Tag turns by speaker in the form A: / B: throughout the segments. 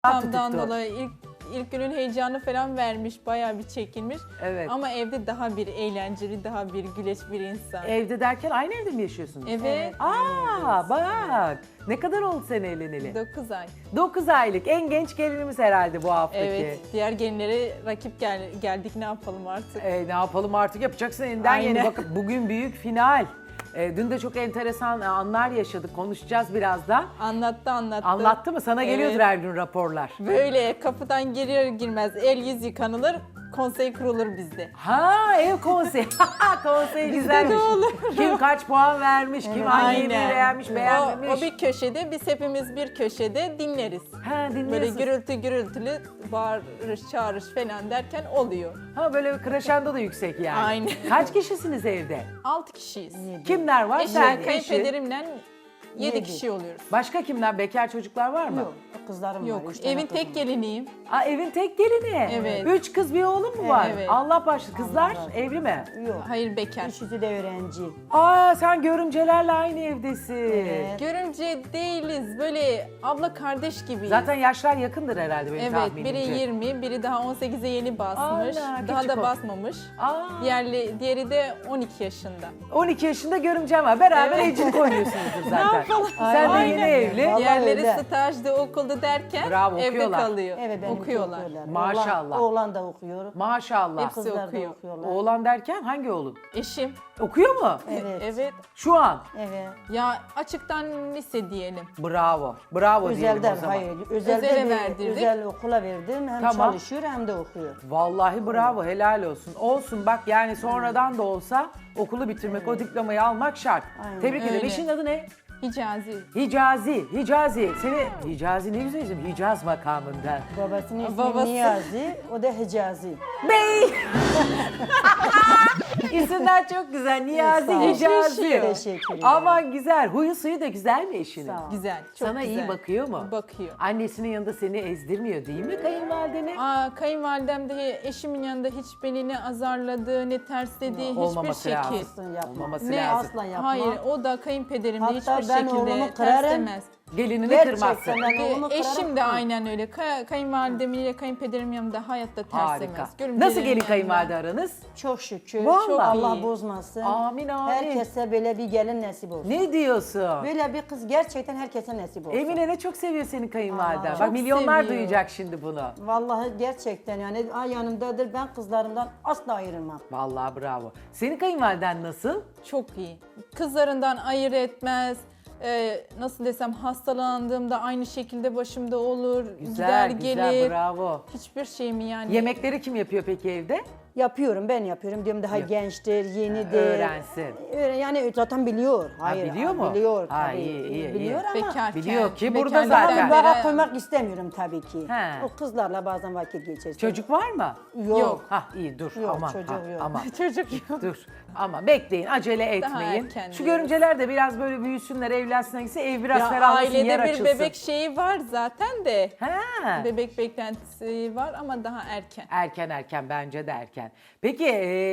A: Tamdan dolayı ilk günün heyecanı falan vermiş, bayağı bir çekilmiş.
B: Evet.
A: Ama evde daha bir eğlenceli, daha bir güleç bir insan.
B: Evde derken aynı evde mi yaşıyorsunuz?
A: Evet.
B: Aa bak. Ne kadar oldu sen evleneli?
A: 9 ay.
B: 9 aylık. En genç gelinimiz herhalde bu haftaki.
A: Evet. Diğer gelinlere rakip geldik, ne yapalım artık?
B: Ne yapalım artık, yapacaksın elinden
A: Aynen.
B: geleni. Bakın bugün büyük final. Dün de çok enteresan anlar yaşadık. Konuşacağız birazdan.
A: Anlattı.
B: Anlattı mı? Sana geliyordur
A: Evet.
B: her gün raporlar.
A: Böyle kapıdan girer girmez el yüz yıkanılır, konsey kurulur bizde.
B: Ha, ev konseyi. Konsey güzelmiş.
A: de olur.
B: Kim kaç puan vermiş, kim hangi yemeği beğenmiş, beğenmemiş.
A: O bir köşede, biz hepimiz bir köşede dinleriz.
B: Ha,
A: Böyle
B: dinliyorsun.
A: gürültülü bağırış çağırış falan derken oluyor.
B: Ha, böyle kreşendo da yüksek yani.
A: Aynen.
B: Kaç kişisiniz evde?
A: 6 kişiyiz.
B: Kimler var?
A: Eşim,
B: Sen, eşi.
A: kayınpederimle 7
C: Yedi.
A: kişi oluyoruz.
B: Başka kimler? Bekar çocuklar var mı?
C: Yok, kızlarım var.
A: Yok,
C: 3 tane
A: evin
C: kızım
A: tek
C: var.
A: geliniyim.
B: Aa, evin tek gelini.
A: Evet.
B: 3 kız bir oğlum mu var?
A: Evet.
B: Allah başlı. Kızlar
C: Allah razı
B: evli mi?
C: Yok.
A: Hayır, bekar.
C: Üçüsü de öğrenci.
B: Aa, sen görümcelerle aynı evdesin.
C: Evet.
A: Görümce değiliz, böyle abla kardeş gibiyiz.
B: Zaten yaşlar yakındır herhalde benim
A: Evet,
B: tahminimce.
A: biri 20, biri daha 18'e yeni basmış.
B: Allah,
A: Daha
B: küçük
A: da
B: o.
A: basmamış.
B: Aa,
A: Diğeri de 12 yaşında.
B: 12 yaşında görümcem var. Beraber
A: Evet.
B: evcilik oynuyorsunuzdur zaten. Sen de
C: Aynen.
B: yeni evli.
C: Vallahi
A: Diğerleri
C: öyle.
A: stajda, okulda derken
B: Bravo,
A: evde
B: okuyorlar.
A: kalıyor.
C: Evet, benimki
A: okuyorlar.
B: Maşallah.
C: Oğlan da okuyor.
B: Maşallah.
A: Hepsi
C: Kızlar da
A: okuyor.
C: okuyorlar.
B: Oğlan derken hangi oğlun?
A: Eşim.
B: Okuyor mu?
C: Evet.
A: Evet.
B: Şu an.
C: Evet.
A: Ya açıktan lise diyelim.
B: Bravo. Bravo diyelim
C: Özelden,
B: o zaman.
C: hayır. Özelde
A: Özele
C: de,
A: verdirdik.
C: özel okula verdim. Hem
B: Tamam.
C: çalışıyor hem de okuyor.
B: Vallahi bravo, helal olsun. Olsun bak, yani sonradan da olsa okulu bitirmek, o diplomayı almak şart.
C: Aynen.
B: Tebrik ederim.
A: Öyle.
B: Eşinin adı ne?
A: Hicazi.
B: Hicazi. Hicazi ne güzel isim. Hicaz makamında.
C: Babasının ismi
A: Babası.
C: Niyazi, o da Hicazi.
B: Bey! İsimler çok güzel. Niyazi,
C: Sağ ol.
B: Hicazi.
C: Teşekkür ederim.
B: Aman güzel. Huyu suyu da güzel mi eşinin?
C: Sağ ol.
A: Güzel. Çok
B: Sana
A: güzel.
B: iyi bakıyor mu?
A: Bakıyor.
B: Annesinin yanında seni ezdirmiyor değil mi kayınvalideni?
A: Kayınvalidem de eşimin yanında hiç beni ne azarladı, ne tersledi, hiçbir
B: Olmaması
A: şekil.
B: lazım.
C: Aslan yapma.
B: Olmaması
A: Ne
B: lazım.
C: Aslan yapma.
A: Hayır, o da kayınpederim de
C: Hatta
A: hiçbir
C: ben
A: şekilde
C: oğlumu kırarım.
A: terslemez.
B: Gelinini
C: Gerçekten
B: kırmazsın.
C: ben oğlumu kırarım.
A: Eşim de aynen öyle. Kayınvalidemin ile kayınpederimin yanında hayatta
B: Harika.
A: terslemez.
B: Nasıl gelin kayınvalide aranız?
C: Çok şükür.
B: Vallahi.
C: Çok Allah
A: iyi.
C: bozmasın.
B: Amin, amin.
C: Herkese böyle bir gelin nasip olsun.
B: Ne diyorsun?
C: Böyle bir kız gerçekten herkese nasip olsun.
B: Emine ne çok seviyor senin kayınvaliden.
C: Allah.
B: Bak
A: Çok
B: milyonlar
A: seviyor.
B: duyacak şimdi bunu.
C: Vallahi gerçekten yani yanımdadır. Ben kızlarımdan asla ayrılmam.
B: Vallahi bravo. Senin kayınvaliden nasıl?
A: Çok iyi. Kızlarından ayırt etmez. Nasıl desem, hastalandığımda aynı şekilde başımda olur. Gider gelir.
B: Bravo.
A: Hiçbir şey mi yani?
B: Yemekleri kim yapıyor peki evde?
C: Yapıyorum, ben yapıyorum. Diyorum daha gençtir, yenidir.
B: Öğrensin.
C: Yani zaten biliyor. Hayır,
B: biliyor mu?
C: Biliyor
B: Ha,
C: tabii.
B: iyi.
C: Biliyor ama
A: Bekarken.
B: Biliyor ki burada
A: bekarken
B: zaten.
C: ben
A: beri-
C: bana koymak istemiyorum tabii ki.
B: He.
C: O kızlarla bazen vakit geçirsin.
B: Çocuk var mı?
C: Yok.
B: Hah, iyi dur.
C: Yok,
B: Aman,
C: çocuğu
B: ha,
C: yok.
B: aman.
A: Çocuk yok.
B: Dur. Ama bekleyin, acele etmeyin.
A: erken
B: Şu
A: diyoruz.
B: görümceler de biraz böyle büyüsünler, evlensinler gitse ev biraz
A: Ya
B: ferahlasın, yer
A: ailede bir
B: açılsın.
A: bebek şeyi var zaten de.
B: Ha.
A: Bebek beklentisi var ama daha erken.
B: Erken bence de erken. Peki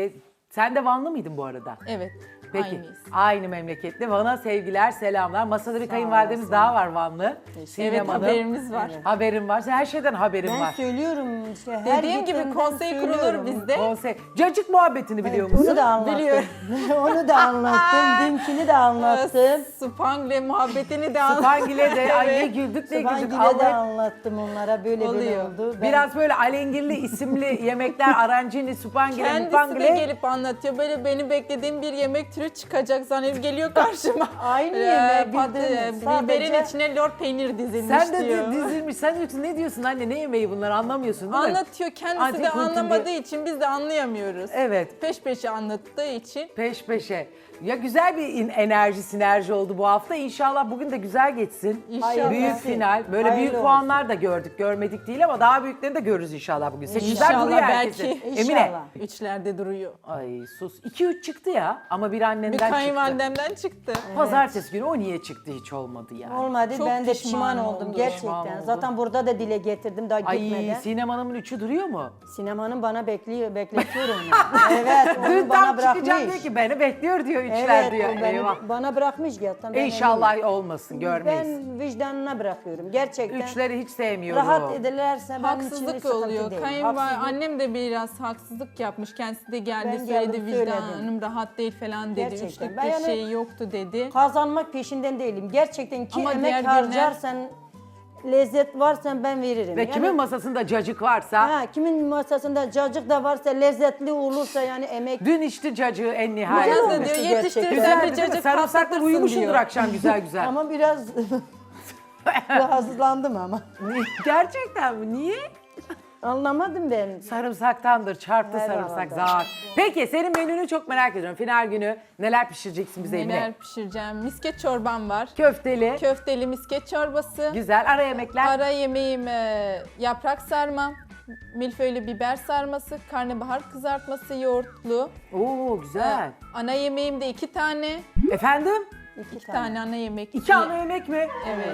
B: sen de Vanlı mıydın bu arada?
A: Evet.
B: Peki.
A: Aynıyız.
B: Aynı memleketli. Van'a sevgiler, selamlar. Masada bir kayınvalidemiz
C: olasın.
B: daha var Vanlı. Sinem
A: Evet,
B: Hanım.
A: haberimiz var.
B: Haberim var. Sen her şeyden haberin
C: Ben
B: var.
C: söylüyorum işte. Her
A: Dediğim gibi
C: gittiğimden
A: konsey kurulur
C: söylüyorum.
A: bizde.
B: Konsey. Cacık muhabbetini biliyor musun?
C: Onu da anlattım.
A: Biliyorum.
C: Onu da anlattım. Dünkünü de anlattım.
A: Spangle muhabbetini de anlattım.
B: Spangile de ay ne
A: Evet.
B: güldük ne güldük.
C: Sabahgile de
B: Allah-
C: anlattım onlara. Böyle
A: Oluyor.
C: oldu.
B: Biraz böyle alengirli isimli yemekler, arancini, spangile,
A: Kendisi de
B: mupangile.
A: gelip anlatıyor. Böyle beni beklediğim bir yemek türü çıkacak zannedip geliyor karşıma.
C: Aynı yemeği
A: Biberin
C: sadece-
A: içine lor peynir dizilmiş
B: Sen de
A: diyor.
B: dizilmiş. Sen diyorsun ne diyorsun anne, ne yemeği bunlar, anlamıyorsun değil mi?
A: Anlatıyor. Kendisi
B: Antik
A: de
B: kültür
A: anlamadığı
B: diye.
A: için biz de anlayamıyoruz.
B: Evet.
A: Peş peşe anlattığı için.
B: Peş peşe. Ya güzel bir enerji, sinerji oldu bu hafta. İnşallah bugün de güzel geçsin.
A: İnşallah.
B: Büyük final. Böyle
C: Hayırlı
B: büyük
C: olsun.
B: puanlar da gördük. Görmedik değil ama daha büyüklerini de görürüz inşallah bugün. Seçimler
A: İnşallah,
B: duruyor
A: belki.
B: herkesin.
C: İnşallah.
B: Emine.
A: Üçlerde duruyor.
B: Ay sus. 2-3 çıktı ya ama biraz annenden
A: Bir
B: çıktı.
A: kayınvalidemden çıktı.
B: Pazartesi günü o niye çıktı hiç olmadı yani.
C: Olmadı.
A: Çok
C: Ben de
A: pişman
C: pişman
A: oldum.
C: oldum
B: Pişman
C: gerçekten.
B: oldum.
C: Zaten burada da dile getirdim daha
B: Ay
C: gitmeden.
B: Sinem Hanım'ın üçü duruyor mu?
C: Sinemanın bana bekletiyorum. evet,
B: Dün
C: onu bana
B: tam çıkacağım diyor
C: bırakmış.
B: ki beni bekliyor diyor üçler
C: Evet,
B: diyor.
C: o
B: Eyvah.
C: bana bırakmış zaten. ben
B: İnşallah olmasın
C: eminim.
B: görmeyiz.
C: Ben vicdanına bırakıyorum gerçekten.
B: Üçleri hiç sevmiyorum.
C: Rahat edilerse benim için bir
A: Haksızlık
C: sıkıntı
A: oluyor.
C: değil.
A: Kayınvalide annem de biraz haksızlık yapmış. Kendisi de geldi
C: Ben
A: söyledi
C: geldim,
A: vicdanım
C: söyledim.
A: rahat değil falan dedi.
C: Gerçekten.
A: Üçlük
C: Ben
A: bir
C: yani-
A: şey yoktu dedi.
C: Kazanmak peşinden değilim. Gerçekten ki
A: Ama diğer
C: emek
A: günler-
C: harcarsan, lezzet varsa ben veririm.
B: Ve kimin masasında cacık varsa
C: ha, kimin masasında cacık da varsa, lezzetli olursa yani emek.
B: dün içti cacığı en nihayet.
A: Bana da
C: olmuştu
A: diyor
C: gerçekten.
A: yetiştir sen
B: Güzeldi
A: de
B: değil mi?
A: cacık
B: Sarımsakla
A: patlatırsın
B: uyumuşsundur
A: diyor.
B: akşam güzel güzel.
C: Ama biraz rahatsızlandım ama.
B: Gerçekten mi? Niye?
C: Anlamadım ben.
B: Sarımsaktandır. Çarptı
C: Herhalde.
B: sarımsak zar. Peki senin menünü çok merak ediyorum. Final günü neler pişireceksin bize
A: Neler
B: Emine?
A: pişireceğim? Misket çorbam var.
B: Köfteli.
A: Köfteli misket çorbası.
B: Güzel. Ara yemekler.
A: Ara yemeğim yaprak sarma, milföylü biber sarması, karnabahar kızartması yoğurtlu.
B: Oo güzel.
A: Ana yemeğim de 2 tane.
B: Efendim?
C: İki
A: Tane ana yemek.
B: 2 ana yemek mi?
A: Evet.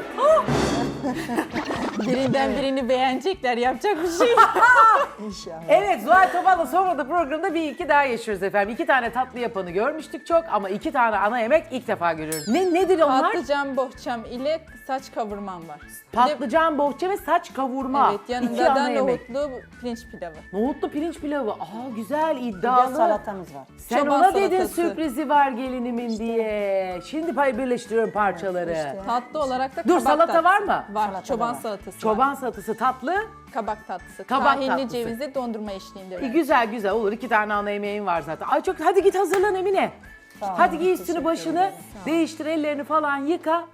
A: Birinden birini beğenecekler. Yapacak bir şey.
C: İnşallah.
B: Evet Zuhal Topal'la sonra da programda bir iki daha yaşıyoruz efendim. 2 tane tatlı yapanı görmüştük çok ama 2 tane ana yemek ilk defa görüyoruz. Nedir onlar?
A: Patlıcan bohçam ile saç kavurmam var. Bir de-
B: Patlıcan, bohça ve saç kavurma.
A: Evet,
B: 2
A: yanında
B: ana
A: da
B: yemek.
A: nohutlu pirinç pilavı.
B: Nohutlu pirinç pilavı. Aa güzel,
C: Bir de
B: iddialı.
C: salatamız var.
B: Sen
A: Çoban
B: ona dedin
A: salatası.
B: sürprizi var gelinimin diye. Şimdi birleştiriyorum parçaları.
C: İşte.
A: Tatlı olarak da
B: Dur,
A: kabak
B: salata
A: tatlısı.
B: var mı?
A: Var.
C: Salata
A: Çoban
C: da var.
A: salatası var.
B: Çoban salatası tatlı.
A: Kabak tatlısı.
B: Kabak
A: Tahinli
B: tatlısı.
A: cevizli dondurma eşliğinde.
B: Güzel güzel olur. 2 tane ana yemeğin var zaten. Ay çok hadi git hazırlan Emine.
C: Sağ ol,
B: Hadi giy üstünü
C: teşekkür
B: başını,
C: ederim.
B: değiştir ellerini falan yıka.